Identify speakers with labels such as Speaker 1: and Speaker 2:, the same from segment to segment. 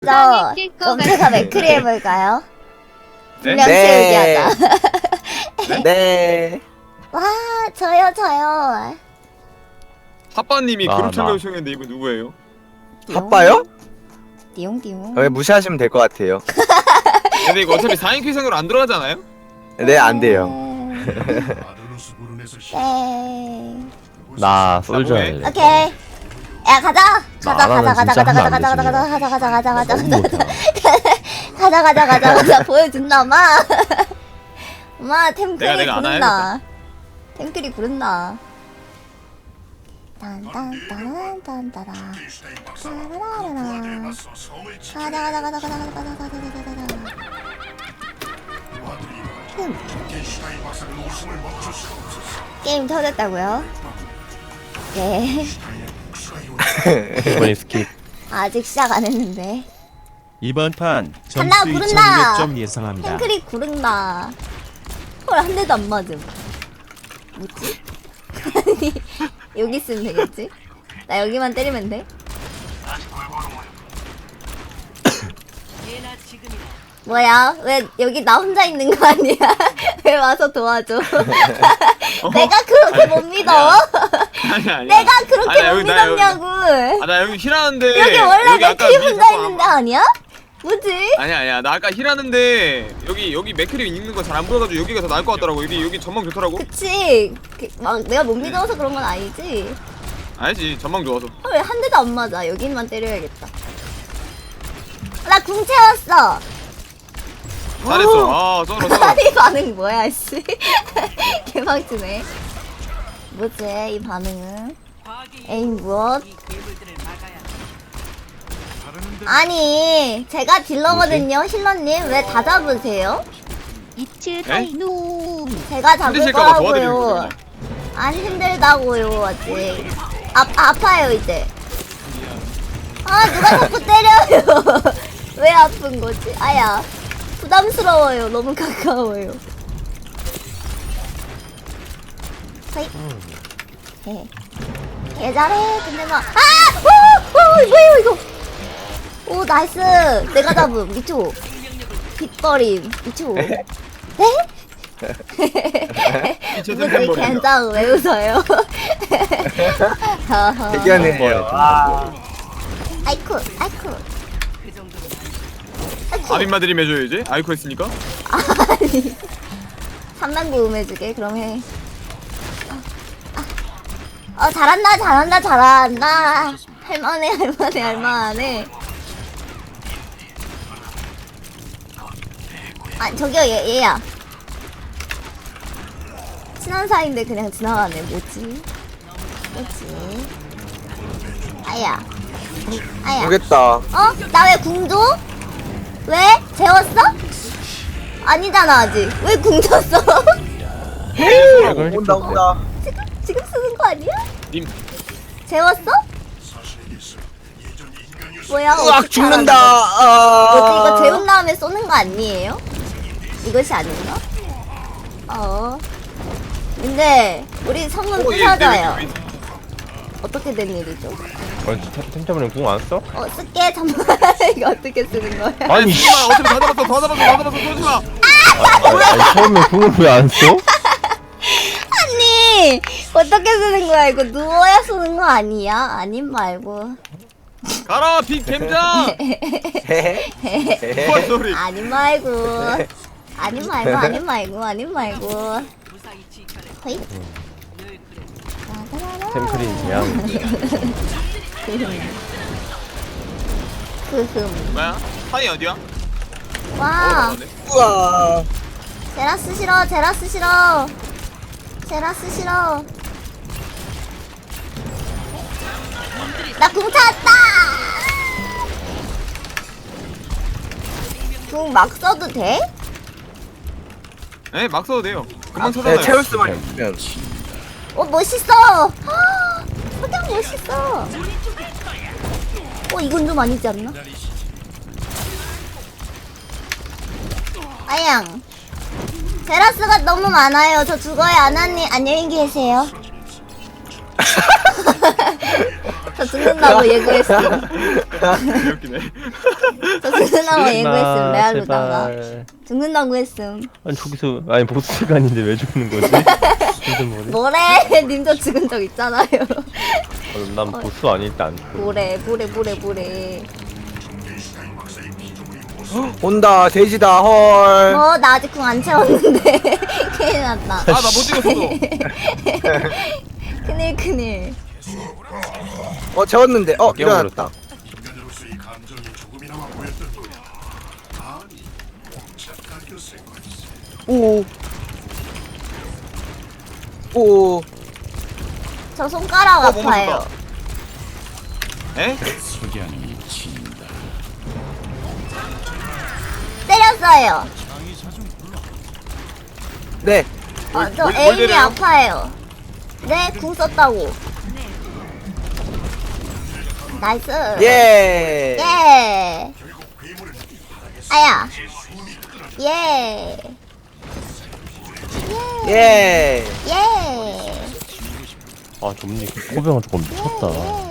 Speaker 1: 저 그럼 제가 맥크리 해볼까요?
Speaker 2: 네?
Speaker 1: 분량 채우기 하자.
Speaker 3: 네.
Speaker 1: 와 저요.
Speaker 2: 하빠님이
Speaker 3: 나.
Speaker 2: 그룹 참가 요청했는데 이분 누구예요?
Speaker 3: 바빠요?
Speaker 1: 띠용띠용.
Speaker 3: 왜 무시하시면 될 것 같아요.
Speaker 2: 근데 이거 어차피 4인 퀴즈으로 안 들어가잖아요?
Speaker 3: 네, 안 돼요.
Speaker 1: 네.
Speaker 4: 나 솔져
Speaker 2: 뭐해?
Speaker 4: 할래.
Speaker 1: 오케이. 야 가자.
Speaker 4: 나라는 진짜 하면 안 되지.
Speaker 1: 가자 보여준다 마. 엄마 템크리
Speaker 2: 내가 안
Speaker 1: 부른다. 템크리 부른다. 딴딴딴딴딴따라. 가자. 게임 터졌다고요? 네.
Speaker 4: 이번에 스킵.
Speaker 1: 아직 시작 안 했는데.
Speaker 5: 이번 판
Speaker 1: 간다,
Speaker 5: 점수
Speaker 1: 부른다.
Speaker 5: 2,200점 예상합니다.
Speaker 1: 탱크리 구른다. 헐, 한 대도 안 맞음. 뭐지? 아니, 여기 있으면 되겠지? 나 여기만 때리면 돼? 뭐야? 왜 여기 나 혼자 있는 거 아니야? 왜 와서 도와줘? 내가 그렇게 못 믿어?
Speaker 2: 아니
Speaker 1: 내가 그렇게
Speaker 2: 아니야,
Speaker 1: 못
Speaker 2: 여기 나
Speaker 1: 믿었냐고?
Speaker 2: 나 여기 힐하는데
Speaker 1: 여기 원래
Speaker 2: 여기 아까
Speaker 1: 맥크리
Speaker 2: 위에
Speaker 1: 혼자
Speaker 2: 자꾸
Speaker 1: 있는데 아니야? 뭐지?
Speaker 2: 아니야 나 아까 힐하는데 여기 맥크리 있는 거 잘 안 보여가지고 여기가 더 나을 것 같더라고. 여기 전망 좋더라고.
Speaker 1: 그치. 막 내가 못 믿어서 그런 건 아니지.
Speaker 2: 알지, 전망 좋아서.
Speaker 1: 왜 한 대도 안 맞아? 여기만 때려야겠다. 나 궁 채웠어.
Speaker 2: 잘했어. 썰어.
Speaker 1: 아니 반응 뭐야 씨. 개방치네. 뭐지 이 반응은? 에임 무엇? 아니 제가 딜러거든요 힐러님 왜 다 잡으세요?
Speaker 6: 이츠 타이누
Speaker 1: 제가 잡을
Speaker 2: 힘드실까봐 도와드리는
Speaker 1: 거라고요.
Speaker 2: 거구나.
Speaker 1: 안 힘들다고요 아직. 아파요 이제. 아 누가 자꾸 때려요. 왜 아픈 거지? 아야 부담스러워요. 너무 가까워요. 허이. 개 잘해. 근데 막 뭐야 이거? 오 나이스. 내가 잡음. 미초. 빗버림. 미초. 네?
Speaker 2: 이제
Speaker 1: 무슨
Speaker 2: 템템버린다.
Speaker 1: 괜찮아 왜 웃어요?
Speaker 3: 대견해요.
Speaker 1: 아이쿠.
Speaker 2: 아빈마드림 해줘야지. 아이코 했으니까.
Speaker 1: 아니 3단 고음해주게 그럼 해. 잘한다. 할만해. 아 저기요 얘야. 친한 사이인데 그냥 지나가네. 뭐지? 아야.
Speaker 3: 모르겠다.
Speaker 1: 어? 나 왜 궁줘? 왜? 재웠어? 아니잖아 아직. 왜 궁졌어?
Speaker 3: 온다.
Speaker 1: 지금 쓰는 거 아니야?
Speaker 2: 님
Speaker 1: 재웠어? 뭐야?
Speaker 3: 으악
Speaker 1: 어떻게
Speaker 3: 죽는다.
Speaker 1: 알았는데? 뭐지? 이거 재운 다음에 쏘는 거 아니에요? 이것이 아닌가? 근데 우리 성은 부사자요. 어떻게 된 일이죠?
Speaker 4: 템템버린 궁안 써?
Speaker 1: 쓸게 잠깐. 이거 어떻게 쓰는 거야?
Speaker 4: 아니
Speaker 2: 쏘지마. 어차피 다 잡았어. 쏘지마.
Speaker 4: 아니 처음에 궁을 왜 안 써?
Speaker 1: 아니 어떻게 쓰는 거야? 이거 누워야 쓰는 거 아니야? 아님 말고.
Speaker 2: 가라 빅 겜장. 헐 소리.
Speaker 1: 아님 말고. 허이.
Speaker 4: 템크린 그냥
Speaker 1: 흐흠.
Speaker 2: 뭐야? 타이 어디야?
Speaker 1: 와.
Speaker 3: 우와.
Speaker 1: 제라스 싫어. 나 궁 찾았다. 궁 막 써도 돼?
Speaker 2: 네, 막 써도 돼요. 금방
Speaker 3: 네,
Speaker 2: 찾아놔요.
Speaker 3: 채울 수만 있으면.
Speaker 1: 멋있어. 석양 멋있어. 이건 좀 아니지 않나? 아양. 제라스가 너무 많아요. 저 죽어요. 아나님 안녕히 계세요. 저 죽는다고 예고했어.
Speaker 2: 웃기네.
Speaker 1: 저 죽는다고 예고했음. 레알로다가
Speaker 4: 제발.
Speaker 1: 죽는다고 했음.
Speaker 4: 아니 저기서 아니 보스 시간인데 왜 죽는 거지? 무슨 머리?
Speaker 1: 뭐래? 님도 죽은 적 있잖아요.
Speaker 4: 난 보스 아닐 때 안 죽어.
Speaker 1: 뭐래?
Speaker 3: 온다 돼지다 헐.
Speaker 1: 나 아직 궁 안 채웠는데 큰일 났다.
Speaker 2: 아, 나 못 찍었어.
Speaker 1: 큰일.
Speaker 3: 재웠는데
Speaker 4: 깨워버렸다.
Speaker 3: 일어났다. 오.
Speaker 1: 저 손가락
Speaker 2: 못
Speaker 1: 아파요.
Speaker 2: 맞췄다. 에?
Speaker 1: 때렸어요.
Speaker 3: 네.
Speaker 1: 저
Speaker 2: 뭘
Speaker 1: 에임이
Speaker 2: 때려요?
Speaker 1: 아파요. 네, 궁 썼다고. 나이스.
Speaker 3: 예.
Speaker 1: 예. 아야. 예.
Speaker 3: 예.
Speaker 1: 예.
Speaker 4: 아 좀니 코병아 저거 미쳤다.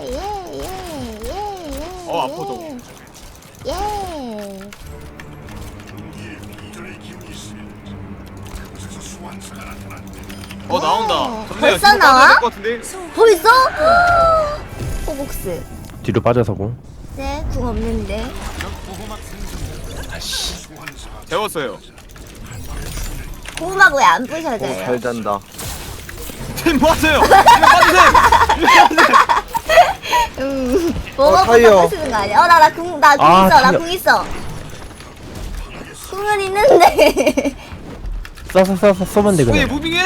Speaker 2: 아파, 저거.
Speaker 1: 예.
Speaker 2: 나온다.
Speaker 1: 벌써 나와?
Speaker 2: 것 같은데?
Speaker 1: 벌써? 호복스.
Speaker 4: 뒤로 빠져서고.
Speaker 1: 네, 궁 없는데.
Speaker 2: 재웠어요.
Speaker 1: 고구마가 왜 안 부셔져요?
Speaker 3: 잘 잔다.
Speaker 2: 팀 모았어요. 팀 빠지세요.
Speaker 1: 뭐가
Speaker 3: 타이어.
Speaker 1: 부시는 거 아니야? 나 궁 있어.
Speaker 4: 아,
Speaker 1: 나
Speaker 4: 타이어.
Speaker 1: 궁 있어. 궁은 있는데.
Speaker 4: 쏘면 돼
Speaker 2: 왜
Speaker 4: 그냥.
Speaker 2: 무빙해?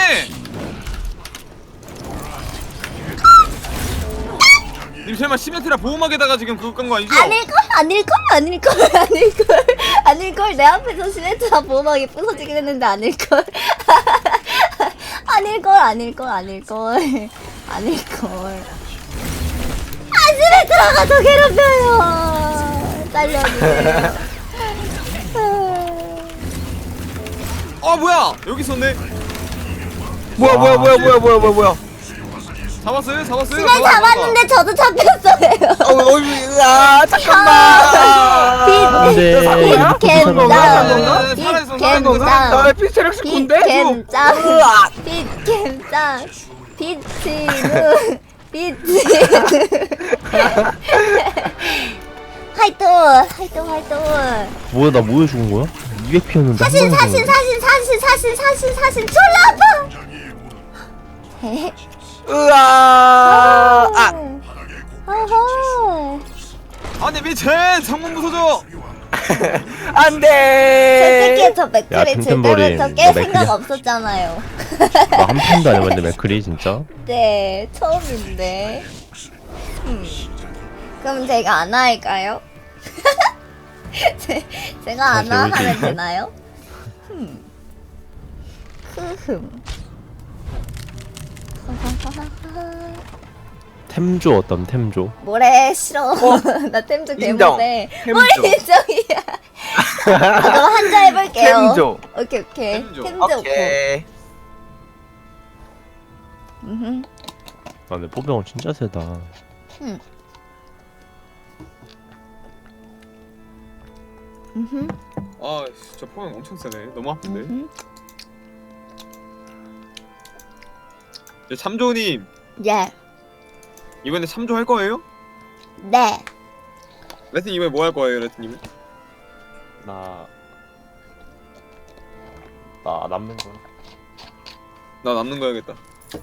Speaker 2: 님 설마 시멘트라 보호막에다가 지금 그거 깐 거 아니죠?
Speaker 1: 아닐걸. 내 앞에서 시멘트나 보호막이 부서지긴 했는데 아닐걸. 아닐걸. 시멘트라가 더 괴롭혀요. 살려주세요.
Speaker 2: 뭐야? 여기 있었네.
Speaker 3: 뭐야.
Speaker 2: 잡았어요?
Speaker 1: 시멘 잡았는데 저도 잡혔어요.
Speaker 3: 잠깐만.
Speaker 4: 안돼.
Speaker 3: 나 피스트렉스 군데?
Speaker 1: 비치누 활동
Speaker 4: 뭐야 나 뭐에 죽은 거야? 200 피었는데.
Speaker 1: 사신 졸라 아파. 어허.
Speaker 2: 아니 미친! 창문 부서져!
Speaker 3: 안돼.
Speaker 1: 솔직히 저 맥크리 질
Speaker 4: 템템버린.
Speaker 1: 때부터 깰
Speaker 4: 너
Speaker 1: 생각
Speaker 4: 맥크리야?
Speaker 1: 없었잖아요.
Speaker 4: 나한 편도 안 해봤는데 맥크리 진짜.
Speaker 1: 네, 처음인데. 그럼 제가 안 할까요? 제가 안
Speaker 4: 다시 올게.
Speaker 1: 하면 되나요?
Speaker 4: 템조 어떤 템조?
Speaker 1: 뭐래 싫어. 나 템즈
Speaker 3: 인정.
Speaker 1: 개못해.
Speaker 3: 템조.
Speaker 1: 뭘 인정이야. 그럼 한자 해볼게요.
Speaker 3: 템조.
Speaker 1: 오케이.
Speaker 2: 템조.
Speaker 1: 템즈 오케이.
Speaker 3: 오케이.
Speaker 4: 아 근데 포병은 진짜 세다.
Speaker 2: 저 포면 엄청 세네. 너무 아픈데? 참조님
Speaker 1: 예.
Speaker 2: 이번에 참조 할 거예요?
Speaker 1: 네.
Speaker 2: 레튼 이번에 뭐 할 거예요, 레튼님은?
Speaker 4: 나 남는 거.
Speaker 2: 나 남는 거 해야겠다.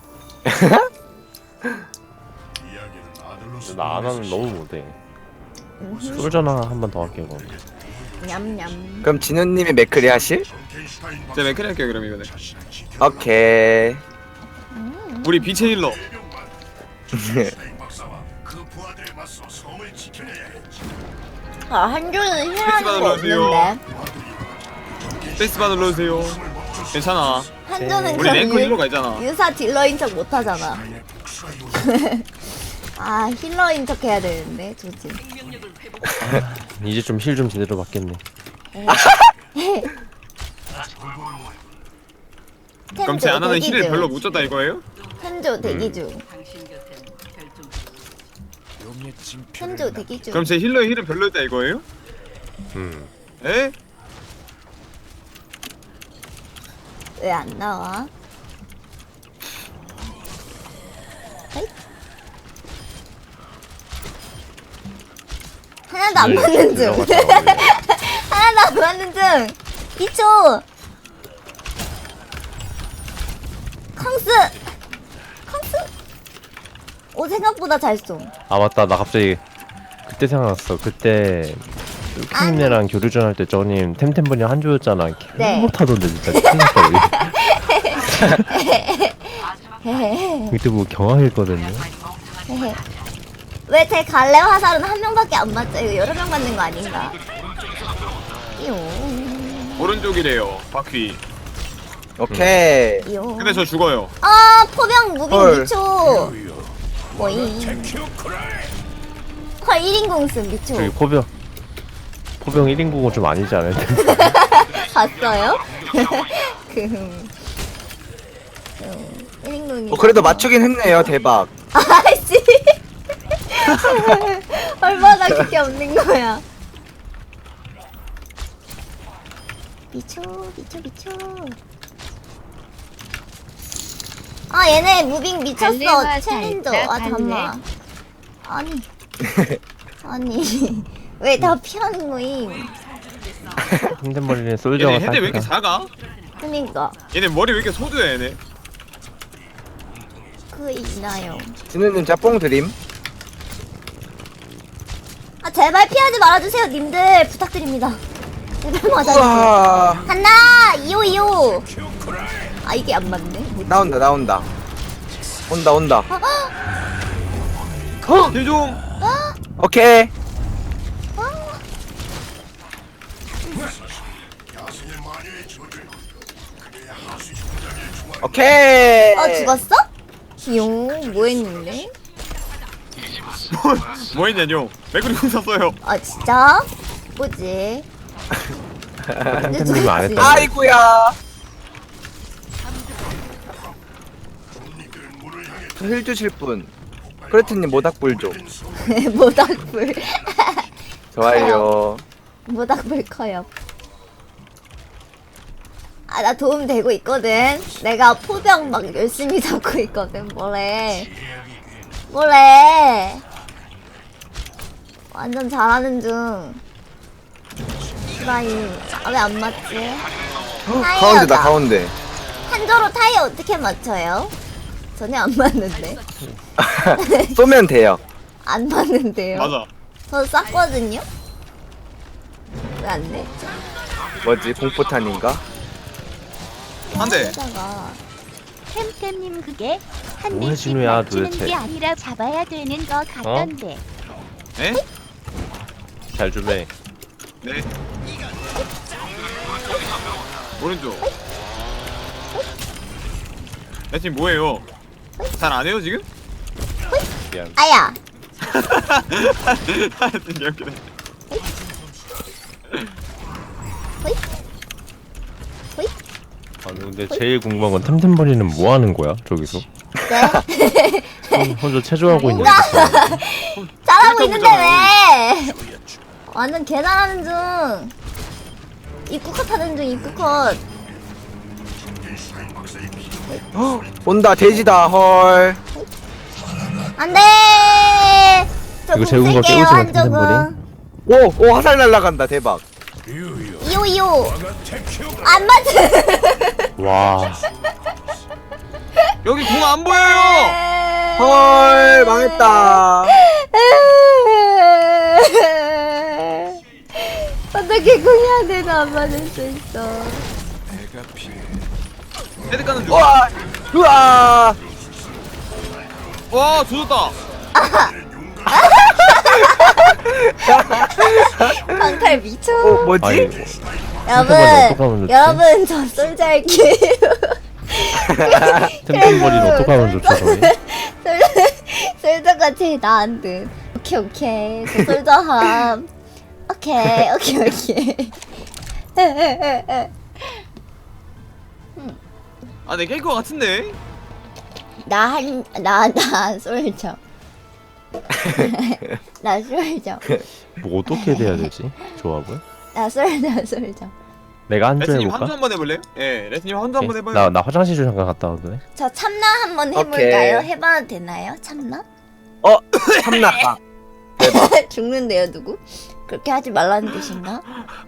Speaker 4: 나 안 하는 너무 못해. 솔저나 한 번 더 할게요. 그럼.
Speaker 1: 냠냠.
Speaker 3: 그럼 진우님이 맥크리 하실?
Speaker 2: 제가 맥크리 할게요 그럼 이번에.
Speaker 3: 오케이.
Speaker 2: 우리 빛의 힐러.
Speaker 1: 한조는 힐하는 거
Speaker 2: 받으러오세요.
Speaker 1: 없는데.
Speaker 2: 페이스바 눌러주세요. 괜찮아.
Speaker 1: 한조는
Speaker 2: 우리 랭크 힐러가 있잖아.
Speaker 1: 유사 딜러인 척 못하잖아. 힐러인 척 해야 되는데 조지.
Speaker 4: 이제 좀 힐 좀 제대로 받겠네.
Speaker 2: 그럼 제 안 하는 힐을 별로 못 줬다 이거예요?
Speaker 1: 한조 대기 중. 현조 대기 중.
Speaker 2: 그럼 제 힐러의 힐은 별로였다 이거예요? 에?
Speaker 1: 왜 안 나와? 에잇. 하나도 안 맞는 중. 하나도 안 맞는 중. 2초. 캉스. 캉스. 오 생각보다 잘 쏘.
Speaker 4: 아 맞다 나 갑자기 그때 생각났어. 그때 뚜키님네랑 교류전 할 때 저님 템템버니 한조였잖아.
Speaker 1: 네.
Speaker 4: 못하던데 진짜 큰일났다 우리. 그때 뭐 경황했거든요.
Speaker 1: 왜 제 갈래 화살은 한 명밖에 안 맞죠? 이거 여러 명 맞는 거 아닌가? 용.
Speaker 2: 오른쪽이래요 바퀴.
Speaker 3: 오케이.
Speaker 1: 용.
Speaker 2: 근데 저 죽어요.
Speaker 1: 아 포병 무빙
Speaker 3: 헐.
Speaker 1: 2초. 뭐이? 헐 1인공 쓴
Speaker 4: 저기
Speaker 1: 미초.
Speaker 4: 포병 1인국은 좀 아니지 않을 텐데.
Speaker 1: 봤어요? 1인공이.
Speaker 3: 그래도 맞추긴 했네요. 대박.
Speaker 1: 아이씨. 얼마나 그게 없는 거야. 미쳐. 아 얘네 무빙 미쳤어.
Speaker 6: 갈래와
Speaker 1: 챌린저.
Speaker 6: 살짝
Speaker 1: 아 잠만. 아니 왜 다 피하는 거임?
Speaker 4: 템템버니는 솔저가
Speaker 2: 얘네 헤드 왜 이렇게
Speaker 4: 사기다.
Speaker 2: 작아?
Speaker 1: 그니까
Speaker 2: 얘네 머리 왜 이렇게 소두야 얘네?
Speaker 1: 그 있나요?
Speaker 3: 진우님 짬뽕 드림.
Speaker 1: 아 제발 피하지 말아주세요 님들 부탁드립니다. 제발 맞아주세요.
Speaker 3: 우와.
Speaker 1: 간다 2호 아 이게 안 맞네. 뭐지?
Speaker 3: 나온다. 온다.
Speaker 2: 힐좀
Speaker 3: 오케이. 오케이.
Speaker 1: 죽었어? 용 뭐했는데?
Speaker 2: 뭐 했냐뇨? 맥그리 궁 샀어요.
Speaker 1: 아 진짜? 뭐지?
Speaker 4: 템템님은 안 했다.
Speaker 3: 아이고야. 힐 주실 분. 크레트님 모닥불 좀.
Speaker 1: 모닥불
Speaker 3: 좋아요.
Speaker 1: 모닥불 커요. 아 나 도움 되고 있거든. 내가 포병 막 열심히 잡고 있거든. 뭐래? 완전 잘하는 중. 시바이 왜 안 맞지?
Speaker 3: 가운데다 가운데.
Speaker 1: 한조로 타이어 어떻게 맞춰요? 전혀 안 맞는데.
Speaker 3: 쏘면 돼요.
Speaker 1: 안 맞는데요.
Speaker 2: 맞아.
Speaker 1: 저 쌌거든요. 왜 안 돼?
Speaker 3: 뭐지 공포탄인가?
Speaker 2: 한 대.
Speaker 1: 여기다가
Speaker 6: 템템님 그게 한
Speaker 4: 뭐야,
Speaker 6: 대씩
Speaker 4: 진우야,
Speaker 6: 맞추는
Speaker 4: 도대체.
Speaker 6: 게 아니라 잡아야 되는 거 같던데.
Speaker 2: 에?
Speaker 4: 잘 주매.
Speaker 2: 네. 오른쪽. 내 팀 뭐예요? 잘 안 해요 지금?
Speaker 4: 미안.
Speaker 1: 아야.
Speaker 2: 진짜 웃기네.
Speaker 1: 호잇. 호잇.
Speaker 4: 아니 근데 제일 궁금한 건 템템버니는 뭐 하는 거야 저기서?
Speaker 1: 네.
Speaker 4: 혼자 체조하고 있는 거.
Speaker 1: 잘하고 있는데 왜? 완전 개 잘하는 중. 입구컷 하는 중 입구컷.
Speaker 3: 온다 돼지다 헐.
Speaker 1: 안돼. 저
Speaker 4: 이거 재운 거
Speaker 1: 공쓸게요,
Speaker 4: 깨우지 마,
Speaker 1: 한쪽은.
Speaker 3: 오 화살 날라간다 대박.
Speaker 1: 2호 안 맞아.
Speaker 4: 와.
Speaker 2: 여기 공 안 보여요.
Speaker 3: 헐 망했다.
Speaker 1: 어떻게 공이한테도 안 맞을 수 있어.
Speaker 2: 헤드 가는 중.
Speaker 3: 우와 우와.
Speaker 2: 와 조졌다.
Speaker 1: 방탈 미쳐.
Speaker 3: 뭐지?
Speaker 4: 아니
Speaker 1: 여러분,
Speaker 4: 어떡하면 좋지?
Speaker 1: 여러분 저 솔자 할게요.
Speaker 4: 템템버니는 어떡하면 좋죠 저기?
Speaker 1: 솔자가 제일 나은 듯. 오케이 저 솔자함. 오케이
Speaker 2: 아, 내 깰 것 같은데.
Speaker 1: 나 솔자. 나 솔져.
Speaker 4: 뭐 어떻게 돼야 되지? 조합을?
Speaker 1: 나 솔져.
Speaker 4: 내가 한조
Speaker 2: 레트님
Speaker 4: 해볼까?
Speaker 2: 한주 한번 해볼래요? 예, 레트님 한주 한번 해봐요.
Speaker 4: 나 화장실 좀 잠깐 갔다 오네.
Speaker 1: 저 참나 한번 해볼까요? 해봐도 되나요? 참나?
Speaker 3: 참나.
Speaker 1: 죽는데요 누구? 그렇게 하지 말라는 뜻인가?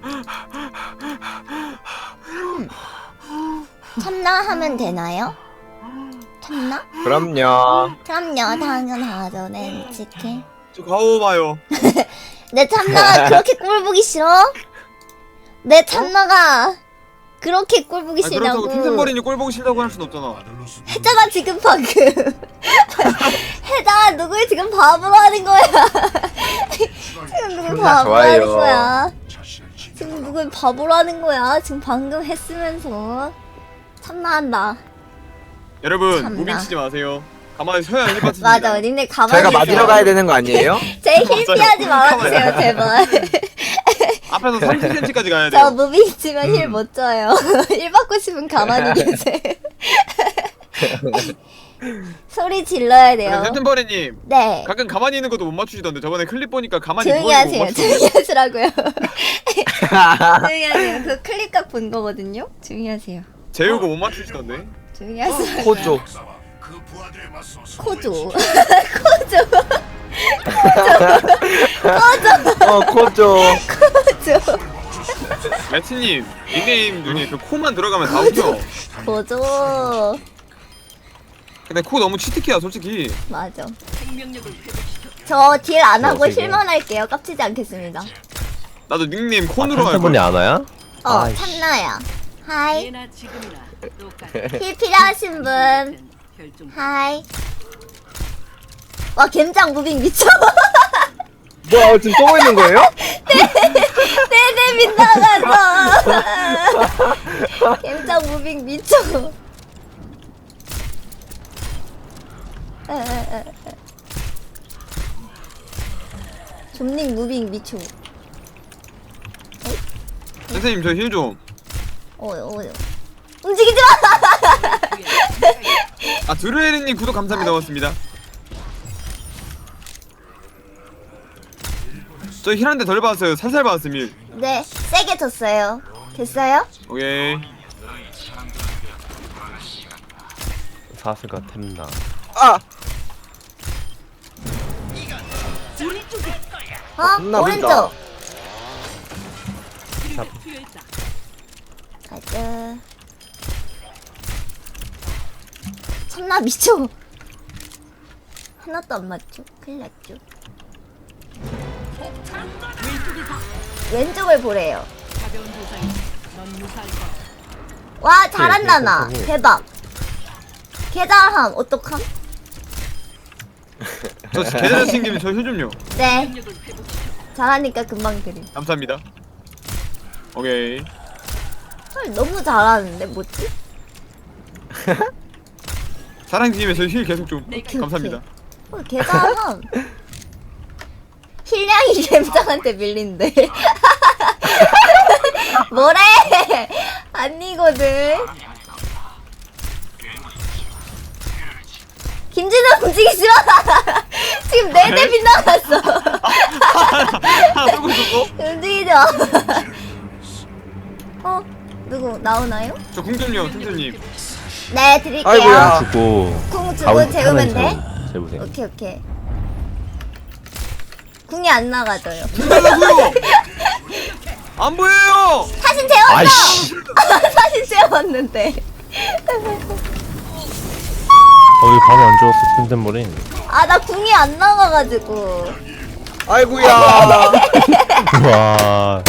Speaker 1: 참나 하면 되나요? 참나?
Speaker 3: 그럼요.
Speaker 1: 그럼요 당연하죠 네 치킨.
Speaker 2: 저 가오 봐요.
Speaker 1: 내 참나가 그렇게 꼴 보기 싫어? 내 참나가 그렇게 꼴 보기
Speaker 2: 아, 그렇다고
Speaker 1: 싫냐고.
Speaker 2: 템템버린이 꼴 보기 싫다고 할 순 없잖아.
Speaker 1: 했잖아 지금 방금. 해잖아 누굴 지금 바보로 하는 거야. 지금 누굴 바보로 하는
Speaker 3: 좋아요.
Speaker 1: 거야. 지금 누굴 바보로 하는 거야. 지금 방금 했으면서 참나한다.
Speaker 2: 여러분
Speaker 1: 참나.
Speaker 2: 무빙 치지 마세요. 가만히 서야 힐 받습니다.
Speaker 1: 맞아 니네 가만히
Speaker 3: 저희가
Speaker 1: 있어요.
Speaker 3: 맞으러 가야 되는 거 아니에요?
Speaker 1: 제힐
Speaker 2: 맞아요.
Speaker 1: 피하지 말아주세요 제발.
Speaker 2: 앞에서 30cm까지 가야
Speaker 1: 저
Speaker 2: 돼요.
Speaker 1: 무빙 치면 힐 못 줘요. 힐 받고 싶으면 가만히 계세요. 소리 질러야 돼요.
Speaker 2: 템템버린님
Speaker 1: 네.
Speaker 2: 가끔 가만히 있는 것도 못 맞추시던데 저번에 클립 보니까 가만히
Speaker 1: 조용히
Speaker 2: 누워 있는 거 못
Speaker 1: 하세요.
Speaker 2: 맞추던데.
Speaker 1: 조용히 하시라고요. 조용히 하세요. 그 클립각 본 거거든요. 조용히 하세요.
Speaker 2: 재우고 못 맞추시던데.
Speaker 1: 조용히 하시라고요.
Speaker 3: 코조.
Speaker 1: 코조.
Speaker 3: 코조.
Speaker 1: 코조.
Speaker 2: 레트님 닉네임 중에 그 코만 들어가면 다 웃겨.
Speaker 1: 코조.
Speaker 2: 근데 코 너무 치트키야 솔직히.
Speaker 1: 맞아. 저 딜 안 하고
Speaker 4: 어떻게.
Speaker 1: 힐만 할게요. 깝치지 않겠습니다.
Speaker 2: 나도 닉네임 콘으로 할
Speaker 4: 템템버린이
Speaker 2: 거야.
Speaker 4: 안 와요? 아이씨.
Speaker 1: 참나야. 하이. 힐 필요하신 분. 하이. 와 gem장 무빙 미쳐.
Speaker 3: 뭐야 지금 쏘고 있는 거예요?
Speaker 1: 네네 빗나갔어. gem장 무빙 미쳐. 좀닉 무빙 미쳐.
Speaker 2: 선생님 저 힐 좀.
Speaker 1: 움직이지 마.
Speaker 2: 아 드루에리님 구독 감사합니다. 고맙습니다. 저 힐 한 대 덜 받았어요. 살살 받았음 힐.
Speaker 1: 네, 세게 줬어요. 됐어요?
Speaker 2: 오케이.
Speaker 4: 사슬과 템나.
Speaker 3: 아. 겁나
Speaker 1: 오른쪽.
Speaker 3: 불다.
Speaker 1: 가자. 참나 미쳐. 하나도 안 맞죠? 큰일 났죠. 왼쪽을 보래요. 와 잘한다 나. 대박. 개잘함 어떡함?
Speaker 2: 저 계좌 챙기면 저 힐 좀요.
Speaker 1: 네. 잘하니까 금방 드림.
Speaker 2: 감사합니다. 오케이.
Speaker 1: 헐 너무 잘하는데 뭐지?
Speaker 2: 사랑팀에 저 힐 계속 좀. 감사합니다.
Speaker 1: 개잘함. 힐량이 갬장한테 밀린대. 뭐래? 아니거든. 김진우 움직이지 마. 지금 4대 빗나갔어.
Speaker 2: 하나 쏘고 있었고.
Speaker 1: 움직이지 마. 누구 나오나요?
Speaker 2: 저 궁좀요 템템님.
Speaker 1: 네 드릴게요.
Speaker 3: 아이고야.
Speaker 4: 주고
Speaker 1: 궁 주고
Speaker 4: 가운데
Speaker 1: 재우면 돼?
Speaker 4: 하나 재우세요.
Speaker 1: 오케이. 궁이 안 나가져요.
Speaker 2: 안 보여요.
Speaker 1: 사진 재웠어.
Speaker 4: 아이씨.
Speaker 1: 사진 재웠는데.
Speaker 4: 거기 방이 안 좋았어 템템버린.
Speaker 1: 아 나 궁이 안 나가가지고.
Speaker 3: 아이고야.
Speaker 4: 와.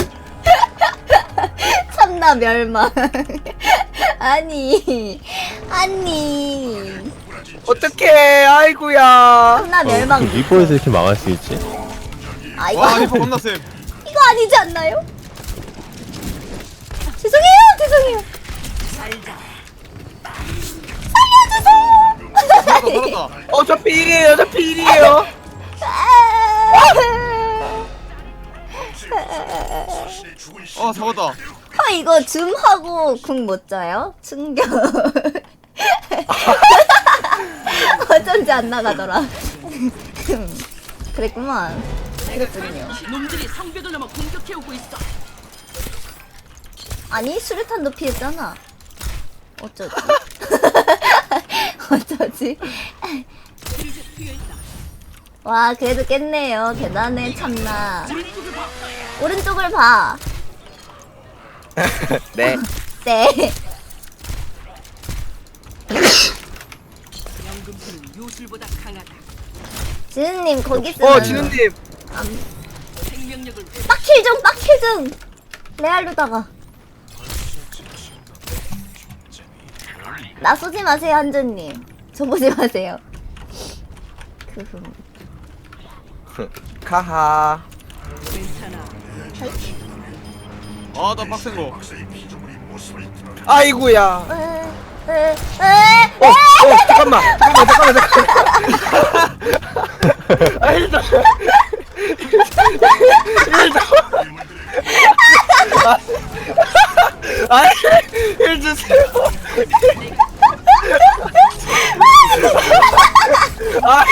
Speaker 1: 참나 멸망. 아니.
Speaker 3: 어떡해. 아이고야.
Speaker 1: 참나 멸망.
Speaker 4: 리퍼에서 이렇게 망할 수 있지?
Speaker 1: 아 이거
Speaker 2: 와 리퍼 겁나 쌤.
Speaker 1: 이거 아니지 않나요? 죄송해요. 살려주세요.
Speaker 2: 살았다.
Speaker 3: 저 필이에요. 저 필이에요.
Speaker 2: 잡았다.
Speaker 1: 이거 줌하고 궁 못 져요? 충격. 어쩐지 안 나가더라. 그랬구만. 그랬군요.
Speaker 7: 놈들이 성벽을 넘어 공격해오고 있어.
Speaker 1: 아니 수류탄도 피했잖아. 어쩌지? 어쩌지? 와 그래도 깼네요. 대단해 참나. 오른쪽을 봐.
Speaker 3: 네.
Speaker 1: 네.
Speaker 7: 연금술은 요술보다 강하다.
Speaker 1: 지은님 거기 있으면
Speaker 3: 진우님.
Speaker 7: 생명력을
Speaker 1: 빡킬 좀 빡킬 좀. 레알로다가. 나 쏘지 마세요 한준님. 저 보지 마세요.
Speaker 3: 카하.
Speaker 7: 괜찮아.
Speaker 2: 아나 빡센 거.
Speaker 3: 아이구야.
Speaker 1: 에.
Speaker 3: 잠깐만. 아, 일단. 아, 일 주세요. 아,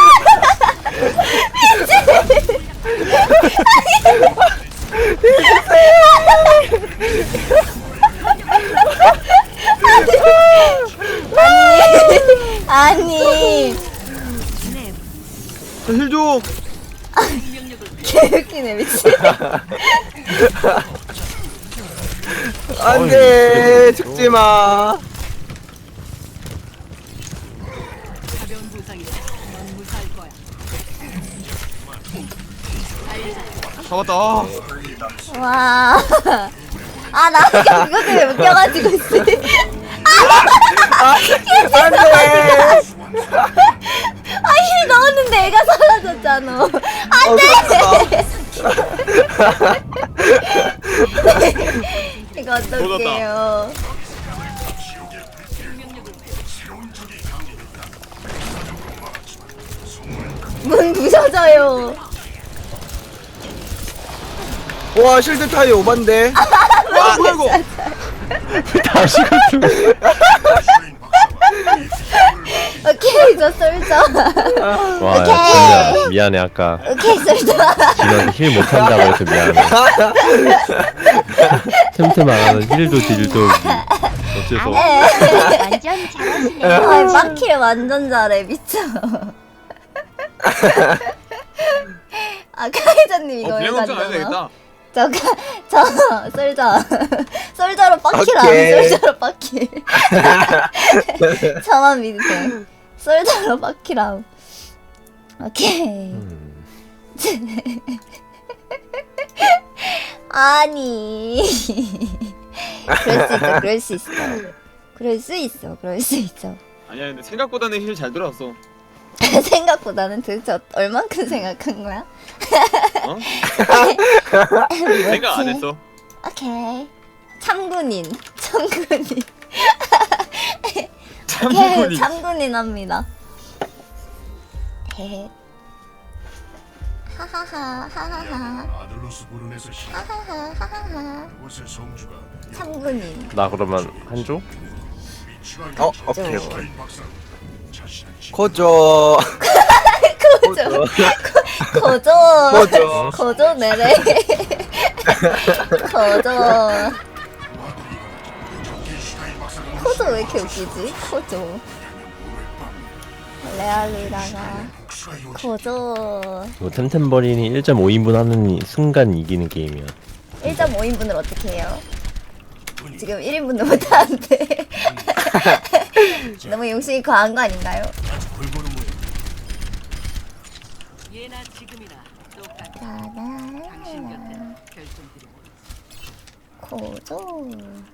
Speaker 1: 아니
Speaker 2: 힐 좀.
Speaker 1: 개웃기네 미친.
Speaker 3: 안돼 죽지 마.
Speaker 7: 가벼운 부상이다. 넌 무사할 거야.
Speaker 2: 잡았다.
Speaker 1: 와. 아, 나 그냥 그것 때문에 웃겨가지고 있어.
Speaker 3: 안돼.
Speaker 1: 아, 힐 넣었는데 애가 사라졌잖아. 안 돼! 이거 어떡해요. 문 부서져요.
Speaker 3: 와 실드 타이 오반데.
Speaker 2: 아이고.
Speaker 4: 다시 갔어.
Speaker 1: 오케이, 저 쏠죠.
Speaker 4: 와, 야,
Speaker 1: 오케이.
Speaker 4: 진짜 미안해 아까
Speaker 1: 오케이, 쏠죠.
Speaker 4: 진원이 힐 못한다고 해서 미안해. 틈틈 안 하는 힐도 딜도 어째서
Speaker 6: 완전 잘하시네.
Speaker 1: 아, 마킬 완전 잘해, 미쳐. 아, 카이저님 이거 왜
Speaker 2: 비행검정 안 해도
Speaker 1: 갔잖아.
Speaker 2: 되겠다.
Speaker 1: 저 솔저 솔저로 빡킬함.
Speaker 3: 오케이.
Speaker 1: 솔저로 빡킬. 저만 믿으세요. 솔저로 빡킬함. 오케이. 아니 그럴 수 있어. 그럴 수 있어. 그럴 수 있어.
Speaker 2: 아니야 근데 생각보다는 힐 잘 들어왔어.
Speaker 1: 생각보다는 도대체 얼만큼 생각한 거야?
Speaker 2: 어? 생각 안 했어.
Speaker 1: 오케이. 참군인. 오케이,
Speaker 2: 참군이.
Speaker 1: 참군인 합니다. 헤헤. 하하하, 하하하. 하하하, 하하하. 참군인.
Speaker 4: 나 그러면 한 조?
Speaker 3: 오케이. 거저.
Speaker 1: 거저. 거저.
Speaker 3: 거저.
Speaker 1: 거저 내래. 거저. 코저 왜 이렇게 웃기지? 코저. 레알리다가 거저.
Speaker 4: 이거 템템버린이 1.5인분 하는 순간 이기는 게임이야.
Speaker 1: 1.5인분을 어떻게 해요? 지금 1인분도 못하는데. 너무 용심이 과한 거 아닌가요?
Speaker 7: 예나 지금이나 똑같아.
Speaker 1: 짜잔.
Speaker 7: 당신 곁에 결정드려.
Speaker 1: 거저.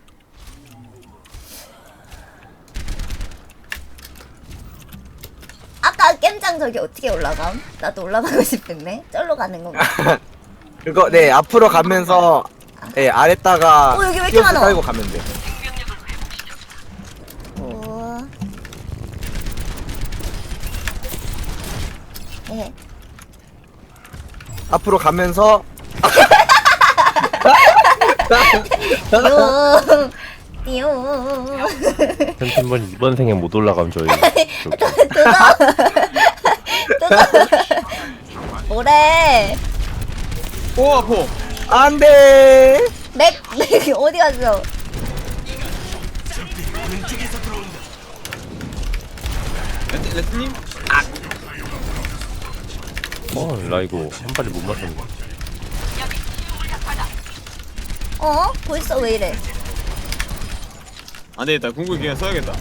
Speaker 1: 아까 겜장 저기 어떻게 올라감? 나도 올라가고 싶은데. 쩔로 가는 건가?
Speaker 3: 그거 네 앞으로 가면서 네 아래다가
Speaker 1: 어, 여기 왜 이렇게
Speaker 3: 띄어서
Speaker 1: 많아?
Speaker 3: 깔고 가면 돼.
Speaker 1: 우와. 예.
Speaker 3: 앞으로 가면서
Speaker 1: 띠용. 띠용.
Speaker 4: 템템버린 이번 생에 못 올라가면 저희 저기.
Speaker 1: 뭐래?
Speaker 2: 오 아파.
Speaker 3: 안돼.
Speaker 1: 맥 어디 갔어?
Speaker 2: 레트님?
Speaker 4: 나 이거 한 발이 못 맞췄네.
Speaker 1: 어? 벌써 왜 이래?
Speaker 2: 안 되겠다. 궁극기 그냥 써야겠다.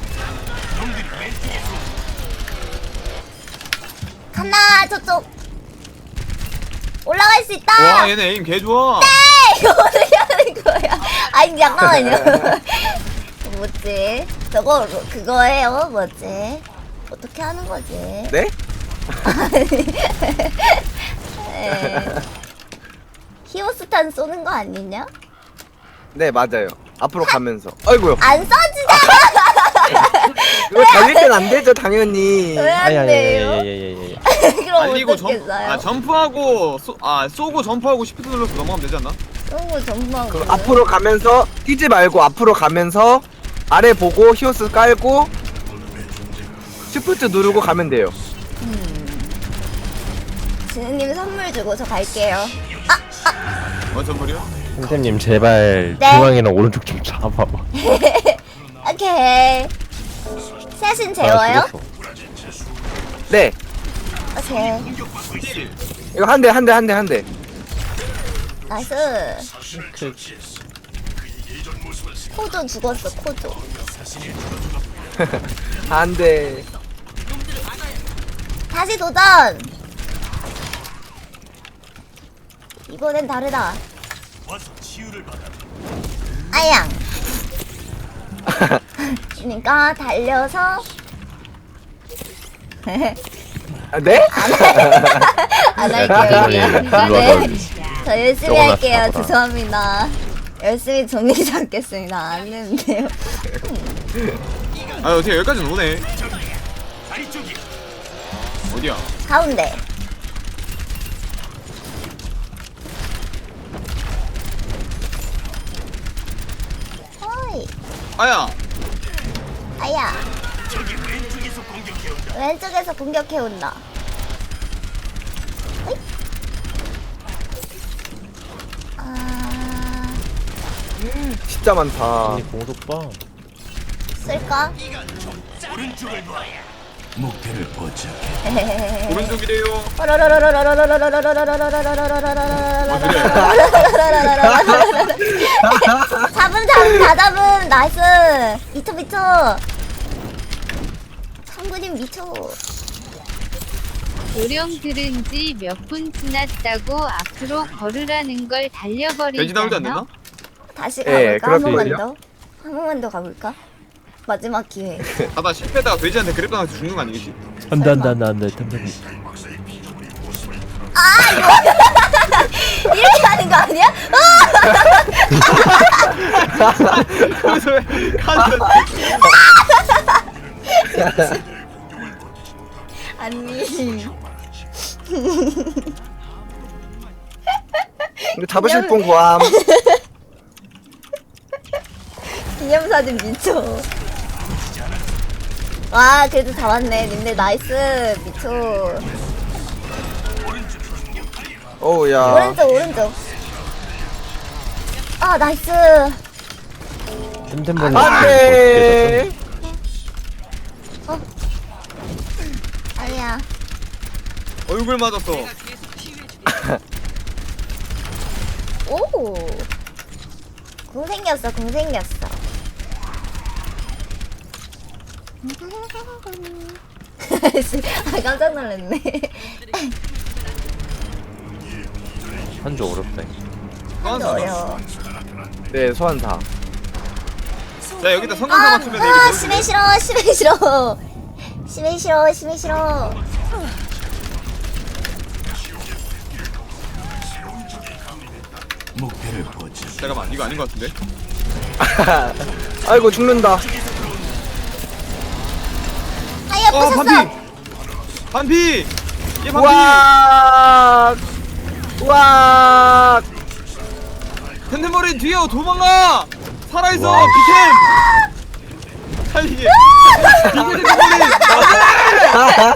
Speaker 1: 간다 저쪽. 올라갈 수 있다.
Speaker 2: 와 얘네 에임 개 좋아.
Speaker 1: 이거 어떻게 하는 거야? 아니 잠깐만요. 뭐지? 저거 그거예요? 뭐지? 어떻게 하는 거지?
Speaker 3: 네?
Speaker 1: 히오스탄 쏘는 거 아니냐?
Speaker 3: 네 맞아요. 앞으로 가면서. 아이고요.
Speaker 1: 안 쏴지잖아.
Speaker 3: 이거 달릴 땐 안 되죠 당연히.
Speaker 1: 왜 안 돼요?
Speaker 4: 아야야야야야야야.
Speaker 1: 그럼
Speaker 2: 달리고
Speaker 1: 어떻겠어요?
Speaker 2: 점프하고 쏘고 점프하고 시프트 눌러서 넘어가면 되지 않나?
Speaker 1: 쏘고 전망.
Speaker 3: 그 앞으로 가면서 뛰지 말고 앞으로 가면서 아래 보고 히오스 깔고 시프트 누르고 가면 돼요.
Speaker 1: 지은님 선물 주고 저 갈게요.
Speaker 2: 선물이요?
Speaker 4: 템템님 제발
Speaker 1: 네.
Speaker 4: 중앙이랑 오른쪽 좀 잡아봐.
Speaker 1: 오케이. 셋은
Speaker 4: 나
Speaker 1: 재워요?
Speaker 4: 죽었어.
Speaker 3: 네.
Speaker 1: 오케이.
Speaker 3: 이거 한 대 한 대 한 대 한 대.
Speaker 1: 나이스. 코조 죽었어, 코조.
Speaker 3: 한 대.
Speaker 1: 다시 도전! 이번엔 다르다. 아양. 그러니까 달려서
Speaker 3: 아, 네?
Speaker 1: 안
Speaker 4: 야,
Speaker 1: 할게요.
Speaker 4: 템템님 일로 와서
Speaker 1: 저 열심히
Speaker 4: 저거나
Speaker 1: 할게요.
Speaker 4: 잡아라.
Speaker 1: 죄송합니다. 열심히 정리 잡겠습니다. 안 되는데요.
Speaker 2: 아 어떻게 여기까지는 오네. 어디야?
Speaker 1: 가운데. 어이,
Speaker 2: 아야.
Speaker 1: 아야. 왼쪽에서 공격해 온다. 어이? 아,
Speaker 3: 진짜 많다.
Speaker 4: 언니 공속 봐.
Speaker 1: 쓸까?
Speaker 2: 오른쪽이래요. 어 그래.
Speaker 1: 잡음 다 잡음. 나이스. 미쳐. 성군님 미쳐.
Speaker 6: 요령 들은 지 몇 분 지났다고 앞으로 걸으라는 걸
Speaker 2: 돼지 나오지 안
Speaker 6: 달려버리잖아.
Speaker 2: 되나?
Speaker 1: 다시
Speaker 3: 예,
Speaker 1: 가볼까? 한 번만
Speaker 3: 그렇군요.
Speaker 1: 더. 한 번만 더 가볼까? 마지막 기회.
Speaker 2: 가다 실패다가 돼지한테 그랩당해서 죽는 거 아니겠지?
Speaker 4: 안돼 템템님.
Speaker 1: 이렇게 하는 거 아니야?
Speaker 2: 그래서 왜 가는
Speaker 1: 아니.
Speaker 3: 이거 잡으실 분 구함.
Speaker 1: 기념사진 미쳐. 와, 그래도 잡았네. 님들 나이스. 미쳐.
Speaker 3: 오우야.
Speaker 1: 오른쪽. 아, 나이스.
Speaker 4: 템템 보는
Speaker 3: 안 돼.
Speaker 1: 아니야.
Speaker 2: 얼굴 맞았어.
Speaker 1: 오. 궁 생겼어. 아, 깜짝 놀랐네.
Speaker 4: 한조 어렵다.
Speaker 1: 한도 어려워.
Speaker 3: 네 소환사.
Speaker 2: 자 여기다 성광사 맞추면 이게 되는데.
Speaker 1: 심해 싫어.
Speaker 2: 잠깐만 이거 아닌 것 같은데?
Speaker 3: 아이고 죽는다.
Speaker 1: 아야, 부셨어.
Speaker 2: 반피! 얘 반피!
Speaker 3: 우와. 우와.
Speaker 2: 텐텐머리 뒤에 도망가! 살아있어!
Speaker 4: 와.
Speaker 2: 비켄! 살리게! 비켄 텐텐머리!